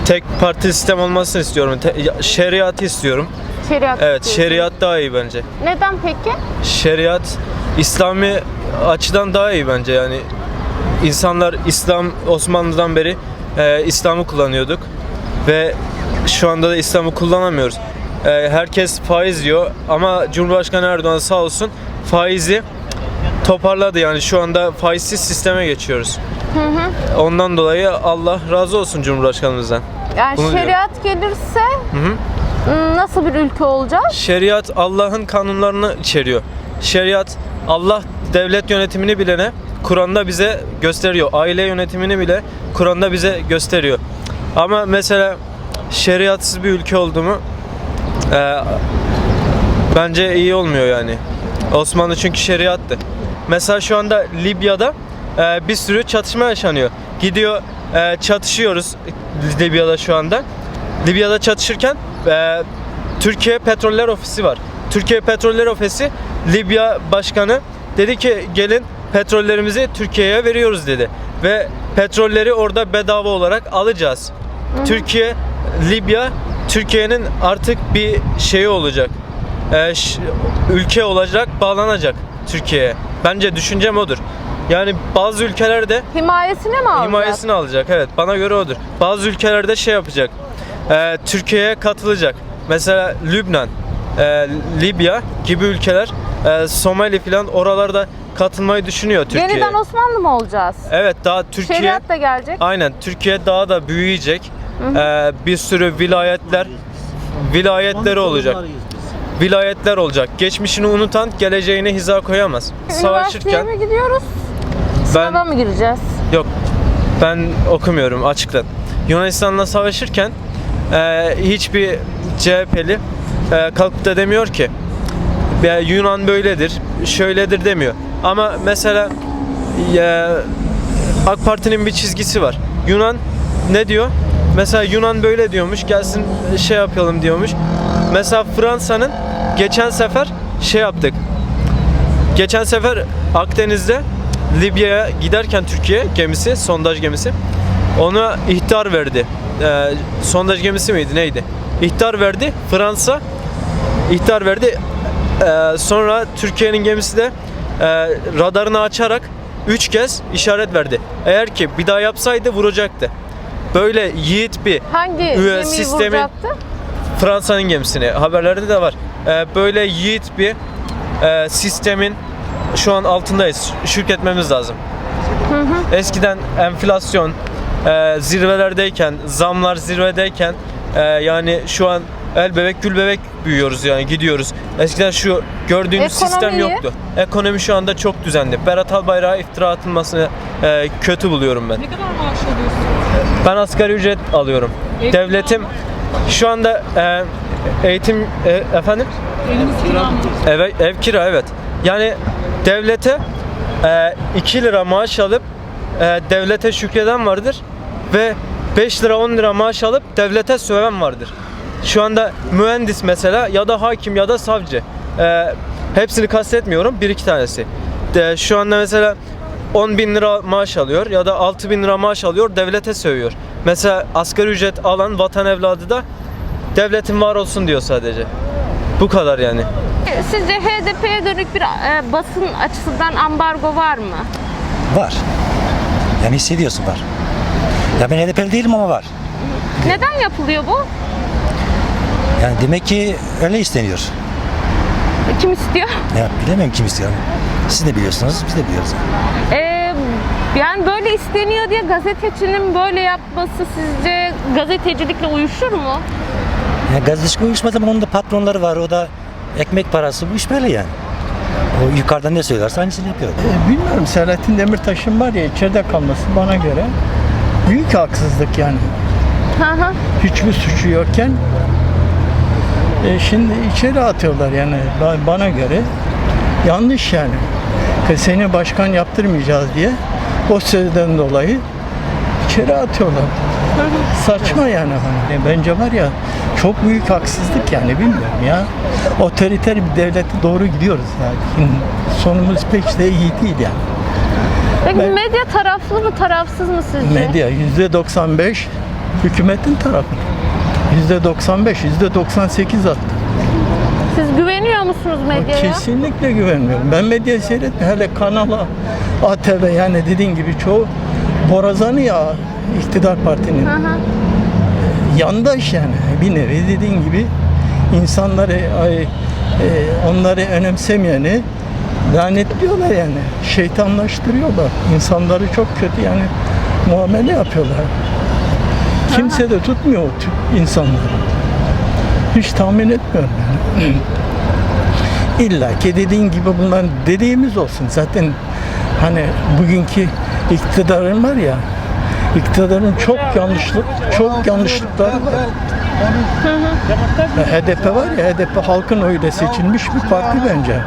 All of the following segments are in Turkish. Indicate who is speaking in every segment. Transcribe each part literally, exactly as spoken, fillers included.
Speaker 1: tek parti sistem olmasını istiyorum. Te- şeriatı istiyorum.
Speaker 2: Şeriat
Speaker 1: Evet,
Speaker 2: istiyorsun.
Speaker 1: şeriat daha iyi bence.
Speaker 2: Neden peki?
Speaker 1: Şeriat İslami açıdan daha iyi bence. Yani insanlar İslam Osmanlı'dan beri e, İslam'ı kullanıyorduk ve şu anda da İslam'ı kullanamıyoruz. E, herkes faiz diyor ama Cumhurbaşkanı Erdoğan sağ olsun faizi toparladı. Yani şu anda faizsiz sisteme geçiyoruz.
Speaker 2: Hı hı.
Speaker 1: Ondan dolayı Allah razı olsun Cumhurbaşkanımızdan.
Speaker 2: Yani
Speaker 1: Bunu
Speaker 2: şeriat gelirse
Speaker 1: Hı hı.
Speaker 2: ım, nasıl bir ülke olacağız?
Speaker 1: Şeriat Allah'ın kanunlarını içeriyor. Şeriat Allah devlet yönetimini bilene Kur'an'da bize gösteriyor. Aile yönetimini bile Kur'an'da bize gösteriyor. Ama mesela şeriatsız bir ülke oldu mu e, bence iyi olmuyor yani. Osmanlı çünkü şeriattı. Mesela şu anda Libya'da e, bir sürü çatışma yaşanıyor. Gidiyor e, çatışıyoruz Libya'da şu anda. Libya'da çatışırken e, Türkiye Petroller Ofisi var. Türkiye Petroller Ofisi Libya Başkanı dedi ki gelin petrollerimizi Türkiye'ye veriyoruz dedi. Ve petrolleri orada bedava olarak alacağız. Hı hı. Türkiye, Libya, Türkiye'nin artık bir şeyi olacak. E, ş- ülke olacak, bağlanacak Türkiye'ye. Bence düşüncem odur. Yani bazı ülkelerde
Speaker 2: Himayesine mi alacak?
Speaker 1: himayesini alacak. Evet, bana göre odur. Bazı ülkelerde şey yapacak. E, Türkiye'ye katılacak. Mesela Lübnan, e, Libya gibi ülkeler, e, Somali falan oralarda katılmayı düşünüyor Türkiye.
Speaker 2: Yeniden Osmanlı mı olacağız?
Speaker 1: Evet, daha Türkiye
Speaker 2: Şeriat da gelecek.
Speaker 1: aynen Türkiye daha da büyüyecek. E, bir sürü vilayetler vilayetleri olacak. Vilayetler olacak. Geçmişini unutan geleceğine hiza koyamaz.
Speaker 2: Üniversiteye
Speaker 1: Savaşırken
Speaker 2: mi gidiyoruz?
Speaker 1: ben
Speaker 2: Sınava mı gireceğiz?
Speaker 1: yok ben okumuyorum açıktan. Yunanistan'la savaşırken e, hiçbir C H P'li e, kalkıp da demiyor ki ya, Yunan böyledir, şöyledir demiyor. Ama mesela e, AK Parti'nin bir çizgisi var. Yunan ne diyor? Mesela Yunan böyle diyormuş, gelsin şey yapalım diyormuş. Mesela Fransa'nın geçen sefer şey yaptık. Geçen sefer Akdeniz'de Libya'ya giderken Türkiye gemisi, sondaj gemisi ona ihtar verdi. Ee, sondaj gemisi miydi neydi? İhtar verdi. Fransa ihtar verdi. Ee, sonra Türkiye'nin gemisi de e, radarını açarak üç kez işaret verdi. Eğer ki bir daha yapsaydı vuracaktı. Böyle yiğit bir
Speaker 2: Hangi
Speaker 1: üye
Speaker 2: gemiyi
Speaker 1: sistemin
Speaker 2: vuracaktı?
Speaker 1: Fransa'nın gemisini. Haberlerde de var. Ee, böyle yiğit bir e, sistemin şu an altındayız. Şükretmemiz lazım.
Speaker 2: Hı hı.
Speaker 1: Eskiden enflasyon e, zirvelerdeyken, zamlar zirvedeyken e, yani şu an el bebek gül bebek büyüyoruz yani gidiyoruz. Eskiden şu gördüğünüz sistem
Speaker 2: Ekonomiyi?
Speaker 1: yoktu. Ekonomi şu anda çok düzenli. Berat Albayrak'a iftira atılmasını e, kötü buluyorum ben.
Speaker 3: Ne kadar maaş alıyorsun?
Speaker 1: Ben asgari ücret alıyorum.
Speaker 3: Ev
Speaker 1: Devletim şu anda e, eğitim e, efendim
Speaker 3: Eviniz kira mı?
Speaker 1: ev, ev kira evet. Yani devlete e, iki lira maaş alıp e, devlete şükreden vardır ve beş lira on lira maaş alıp devlete söven vardır. Şu anda mühendis mesela ya da hakim ya da savcı. E, hepsini kastetmiyorum, bir iki tanesi. De, şu anda mesela on bin lira maaş alıyor ya da altı bin lira maaş alıyor, devlete sövüyor. Mesela asgari ücret alan vatan evladı da devletin var olsun diyor sadece. Bu kadar yani.
Speaker 2: Sizce H D P'ye dönük bir e, basın açısından ambargo var mı?
Speaker 4: Var. Yani hissediyorsun var. Ya ben H D P'li değilim ama var.
Speaker 2: Neden yapılıyor bu?
Speaker 4: Yani demek ki öyle isteniyor.
Speaker 2: Kim istiyor?
Speaker 4: Ya bilemem kim istiyor. Siz de biliyorsunuz, biz de biliyoruz.
Speaker 2: Ee, yani böyle isteniyor diye gazetecinin böyle yapması sizce gazetecilikle uyuşur mu?
Speaker 4: Ya gazetecilik uyuşmaz ama onun da patronları var. O da ekmek parası. Bu iş böyle yani. O yukarıdan ne söylerse aynısını yapıyor.
Speaker 5: E, bilmiyorum, Selahattin Demirtaş'ın var ya içeride kalması bana göre büyük haksızlık yani.
Speaker 2: Hı hı.
Speaker 5: Hiçbir suçu yokken e, şimdi içeri atıyorlar yani Ba- bana göre yanlış yani. Kız seni başkan yaptırmayacağız diye o sözden dolayı içeri atıyorlar. Saçma yani hani. E, Bence var ya çok büyük haksızlık yani, bilmiyorum ya. Otoriter bir devlete doğru gidiyoruz yani. Sonumuz pek de iyi değil yani.
Speaker 2: Peki
Speaker 5: Ben-
Speaker 2: medya taraflı mı tarafsız mı sizce?
Speaker 5: Medya yüzde doksan beş Hükümetin tarafı. yüzde doksan beş, yüzde doksan sekiz attı.
Speaker 2: Siz güveniyor musunuz medyaya?
Speaker 5: Kesinlikle güvenmiyorum. Ben medyayı seyretmiyorum. Hele kanala, A T V, yani dediğin gibi çoğu borazanı ya iktidar partinin.
Speaker 2: Hı hı.
Speaker 5: Yandaş yani. Bir nevi dediğin gibi insanları, ay, e, onları önemsemeyeni lanetliyorlar yani. Şeytanlaştırıyorlar. İnsanları çok kötü yani muamele yapıyorlar. Kimse de tutmuyor o tip insanları. Hiç tahmin etmiyorum yani. İlla ki dediğin gibi bunlar dediğimiz olsun. Zaten hani bugünkü iktidarın var ya, iktidarın çok yanlışlık, çok yanlışlıkları var. Ya H D P var ya, H D P halkın oyuyla seçilmiş bir parti bence.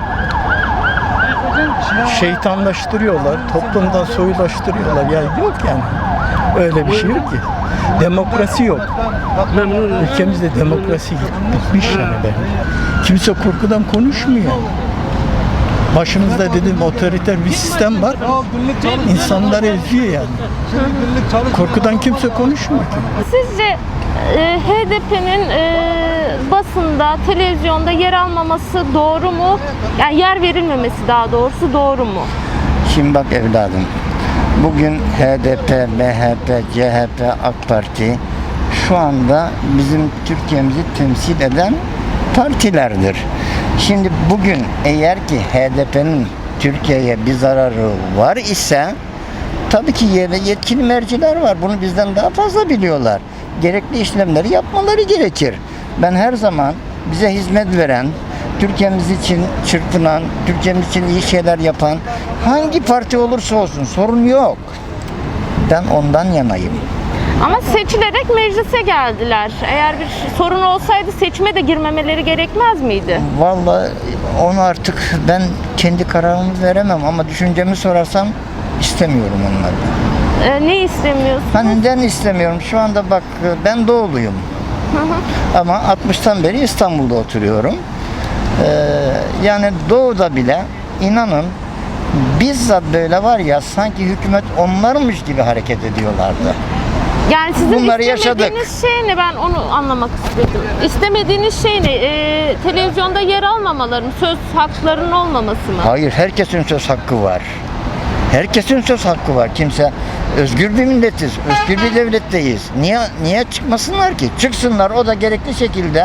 Speaker 5: Şeytanlaştırıyorlar, toplumdan soyulaştırıyorlar. Ya yok yani. Öyle bir şey yok ki. Demokrasi yok. Ülkemizde demokrasi bitmiş yani bence. Kimse korkudan konuşmuyor. Başımızda dedim otoriter bir sistem var. İnsanları eziyor yani. Korkudan kimse konuşmuyor ki.
Speaker 2: Sizce e, H D P'nin e, basında, televizyonda yer almaması doğru mu? Yani yer verilmemesi daha doğrusu doğru mu?
Speaker 6: Şimdi bak evladım, bugün H D P, M H P, C H P, AK Parti şu anda bizim Türkiye'mizi temsil eden partilerdir. Şimdi bugün eğer ki H D P'nin Türkiye'ye bir zararı var ise tabii ki yetkili merciler var. Bunu bizden daha fazla biliyorlar. Gerekli işlemleri yapmaları gerekir. Ben her zaman bize hizmet veren, Türkiye'miz için çırpınan, Türkiye'miz için iyi şeyler yapan hangi parti olursa olsun sorun yok. Ben ondan yanayım.
Speaker 2: Ama seçilerek meclise geldiler. Eğer bir sorun olsaydı seçime de girmemeleri gerekmez miydi?
Speaker 6: Vallahi onu artık ben kendi kararımı veremem ama düşüncemi sorarsam istemiyorum onları.
Speaker 2: Ee, ne istemiyorsunuz?
Speaker 6: Ben neden istemiyorum? Şu anda bak ben doğuluyum. Ama altmıştan beri İstanbul'da oturuyorum. Ee, yani doğuda bile inanın bizzat böyle var ya sanki hükümet onlarmış gibi hareket ediyorlardı.
Speaker 2: Yani sizin
Speaker 6: Bunları
Speaker 2: istemediğiniz şey ne? Ben onu anlamak istedim. İstemediğiniz şey ne? Ee, televizyonda yer almamaları mı? Söz haklarının olmaması mı?
Speaker 6: Hayır, herkesin söz hakkı var. Herkesin söz hakkı var. Kimse özgür bir milletiz, özgür bir devletteyiz. Niye niye çıkmasınlar ki? Çıksınlar, o da gerekli şekilde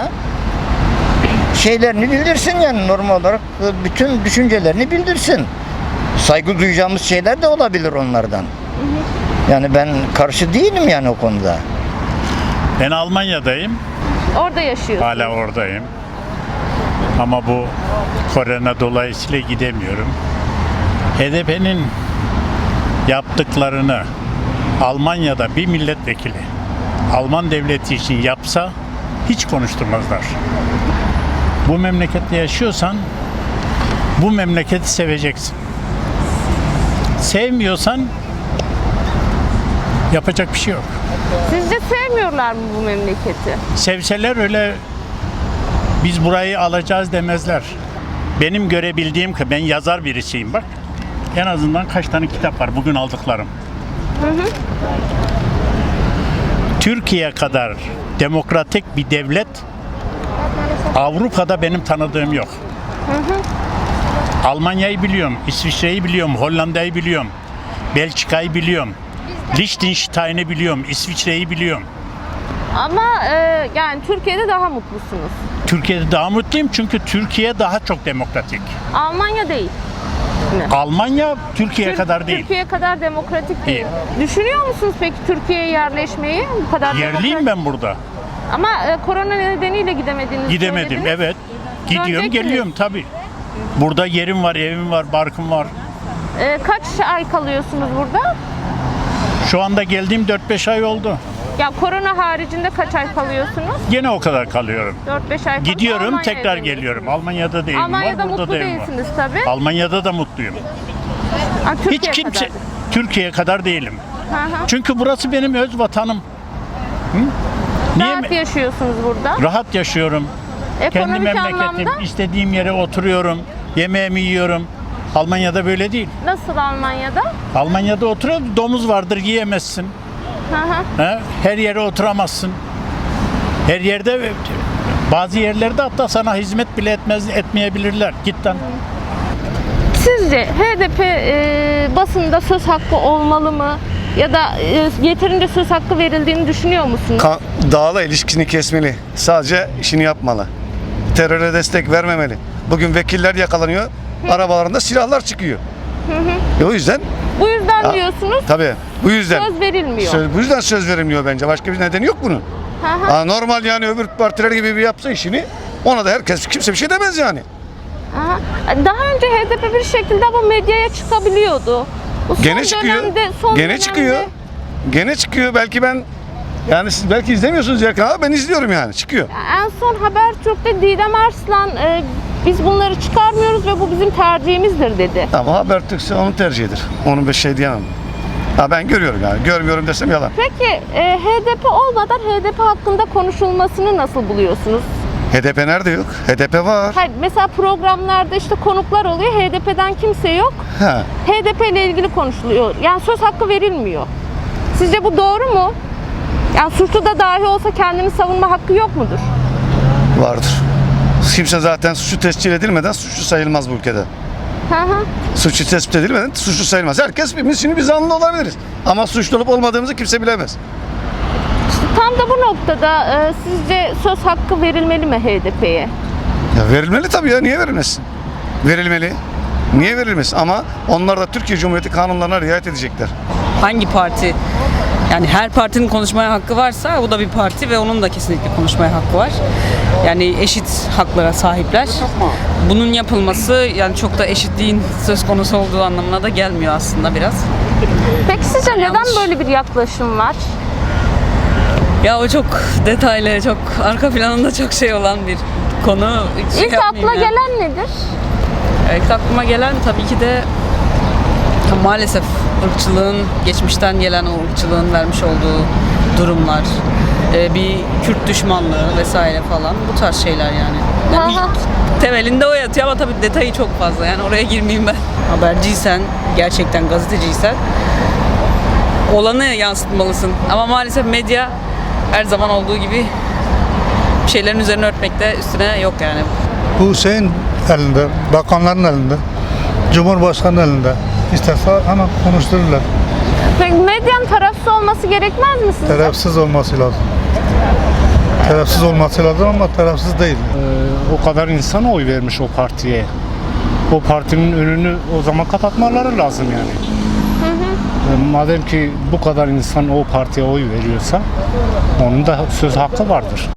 Speaker 6: şeylerini bildirsin yani normal olarak bütün düşüncelerini bildirsin. Saygı duyacağımız şeyler de olabilir onlardan. Yani ben karşı değilim yani o konuda.
Speaker 7: Ben Almanya'dayım.
Speaker 2: Orada yaşıyorsunuz.
Speaker 7: Hala oradayım. Ama bu korona dolayısıyla gidemiyorum. H D P'nin yaptıklarını Almanya'da bir milletvekili Alman devleti için yapsa hiç konuşturmazlar. Bu memlekette yaşıyorsan bu memleketi seveceksin. Sevmiyorsan yapacak bir şey yok.
Speaker 2: Sizce sevmiyorlar mı bu memleketi?
Speaker 7: Sevseler öyle biz burayı alacağız demezler. Benim görebildiğim ki ben yazar birisiyim bak. En azından kaç tane kitap var bugün aldıklarım. Hı hı. Türkiye kadar demokratik bir devlet Avrupa'da benim tanıdığım yok. Hı hı. Almanya'yı biliyorum, İsviçre'yi biliyorum, Hollanda'yı biliyorum, Belçika'yı biliyorum, Liechtenstein'i biliyorum, İsviçre'yi biliyorum.
Speaker 2: Ama e, yani Türkiye'de daha mutlusunuz.
Speaker 7: Türkiye'de daha mutluyum çünkü Türkiye daha çok demokratik.
Speaker 2: Almanya değil mi?
Speaker 7: Almanya Türkiye
Speaker 2: Tür-
Speaker 7: kadar değil.
Speaker 2: Türkiye kadar demokratik değil.
Speaker 7: Değil.
Speaker 2: Düşünüyor musunuz peki Türkiye'ye yerleşmeyi? Bu kadar
Speaker 7: Yerliyim
Speaker 2: demokratik-
Speaker 7: ben burada.
Speaker 2: Ama e, korona nedeniyle gidemediniz.
Speaker 7: Gidemedim
Speaker 2: söylediniz.
Speaker 7: evet. Gidiyorum
Speaker 2: Döneceksiniz.
Speaker 7: geliyorum tabii. Burada yerim var, evim var, barkım var.
Speaker 2: E, kaç ay kalıyorsunuz burada?
Speaker 7: Şu anda geldiğim dört beş ay oldu.
Speaker 2: Ya korona haricinde kaç ay kalıyorsunuz?
Speaker 7: Gene o kadar kalıyorum.
Speaker 2: dört beş ay kalıp
Speaker 7: Gidiyorum
Speaker 2: Almanya'ya
Speaker 7: tekrar
Speaker 2: dönüyorsunuz.
Speaker 7: geliyorum. Almanya'da da evim
Speaker 2: Almanya'da
Speaker 7: var, burada
Speaker 2: mutlu
Speaker 7: da evim var.
Speaker 2: değilsiniz tabii.
Speaker 7: Almanya'da da mutluyum.
Speaker 2: Ha, Türkiye
Speaker 7: Hiç kimse
Speaker 2: kadar.
Speaker 7: Türkiye kadar değilim.
Speaker 2: Hı hı.
Speaker 7: Çünkü burası benim öz vatanım. Hı? Niye
Speaker 2: Rahat
Speaker 7: mi?
Speaker 2: yaşıyorsunuz burada.
Speaker 7: Rahat yaşıyorum. Kendi
Speaker 2: Ekonomik
Speaker 7: memleketim,
Speaker 2: anlamda
Speaker 7: istediğim yere oturuyorum, yemeğimi yiyorum. Almanya'da böyle değil.
Speaker 2: nasıl Almanya'da?
Speaker 7: Almanya'da oturuyor, domuz vardır yiyemezsin.
Speaker 2: Hı hı.
Speaker 7: He? Her yere oturamazsın. Her yerde, bazı yerlerde hatta sana hizmet bile etmez etmeyebilirler. Git lan.
Speaker 2: Sizce H D P e, basında söz hakkı olmalı mı? Ya da e, yeterince söz hakkı verildiğini düşünüyor musunuz?
Speaker 8: Ka- Dağla ilişkisini kesmeli. Sadece işini yapmalı. Teröre destek vermemeli. Bugün vekiller yakalanıyor. Arabalarında silahlar çıkıyor. E o yüzden
Speaker 2: Bu yüzden
Speaker 8: Ha,
Speaker 2: diyorsunuz
Speaker 8: tabii bu yüzden
Speaker 2: söz verilmiyor.
Speaker 8: söz, bu yüzden söz verilmiyor bence. Başka bir nedeni yok bunun.
Speaker 2: Hı hı.
Speaker 8: Ha, normal yani öbür partiler gibi bir yapsa işini ona da herkes kimse bir şey demez yani.
Speaker 2: Aha. Daha önce H D P bir şekilde bu medyaya çıkabiliyordu. Bu son
Speaker 8: Gene çıkıyor.
Speaker 2: dönemde- son
Speaker 8: Gene
Speaker 2: dönemde-
Speaker 8: çıkıyor. Gene çıkıyor. Belki ben yani siz belki izlemiyorsunuz Erkan ama ben izliyorum yani. Çıkıyor.
Speaker 2: En son Habertürk'te Didem Arslan e, biz bunları çıkarmıyoruz ve bu bizim tercihimizdir dedi.
Speaker 8: Ama Habertürk'se onun tercihidir. Onun bir şey diyemem. Ha ben görüyorum yani. Görmüyorum desem yalan.
Speaker 2: Peki e, H D P olmadan H D P hakkında konuşulmasını nasıl buluyorsunuz?
Speaker 8: H D P nerede yok? H D P var.
Speaker 2: Hayır, mesela programlarda işte konuklar oluyor, H D P'den kimse yok.
Speaker 8: Ha.
Speaker 2: H D P ile ilgili konuşuluyor. Yani söz hakkı verilmiyor. Sizce bu doğru mu? Yani suçlu da dahi olsa kendini savunma hakkı yok mudur?
Speaker 8: Vardır. Kimse zaten suçu tescil edilmeden suçlu sayılmaz bu ülkede.
Speaker 2: Hı hı.
Speaker 8: Suçu tespit edilmeden suçlu sayılmaz. Herkes biz şimdi biz zanlı olabiliriz. Ama suçlu olup olmadığımızı kimse bilemez.
Speaker 2: İşte tam da bu noktada e, sizce söz hakkı verilmeli mi H D P'ye?
Speaker 8: Ya verilmeli tabii ya. Niye verilmesin? Verilmeli. Niye verilmesin? Ama onlar da Türkiye Cumhuriyeti kanunlarına riayet edecekler.
Speaker 3: Hangi parti? Yani her partinin konuşmaya hakkı varsa bu da bir parti ve onun da kesinlikle konuşmaya hakkı var. Yani eşit haklara sahipler. Bunun yapılması yani çok da eşitliğin söz konusu olduğu anlamına da gelmiyor aslında biraz.
Speaker 2: Peki sizce neden
Speaker 3: yanlış.
Speaker 2: böyle bir yaklaşım var?
Speaker 3: Ya o çok detaylı, çok arka planında çok şey olan bir konu. Hiç şey
Speaker 2: İlk
Speaker 3: yapmayayım
Speaker 2: akla
Speaker 3: yani.
Speaker 2: gelen nedir?
Speaker 3: İlk aklıma gelen tabii ki de maalesef ırkçılığın, geçmişten gelen o ırkçılığın vermiş olduğu durumlar, e, bir Kürt düşmanlığı vesaire falan bu tarz şeyler yani. yani
Speaker 2: Aha.
Speaker 3: ilk temelinde o yatıyor ama tabii detayı çok fazla yani oraya girmeyeyim ben. Haberciysen, gerçekten gazeteciysen olanı yansıtmalısın ama maalesef medya her zaman olduğu gibi bir şeylerin üzerine örtmekte üstüne yok yani.
Speaker 9: Bu şeyin elinde, bakanların elinde, Cumhurbaşkanı elinde. İsterse hemen konuştururlar.
Speaker 2: Peki medyanın tarafsız olması gerekmez mi sizce?
Speaker 9: Tarafsız olması lazım. Tarafsız olması lazım ama tarafsız değil.
Speaker 7: O kadar insan oy vermiş o partiye. O partinin önünü o zaman kapatmaları lazım yani. E, Madem ki bu kadar insan o partiye oy veriyorsa onun da söz hakkı vardır.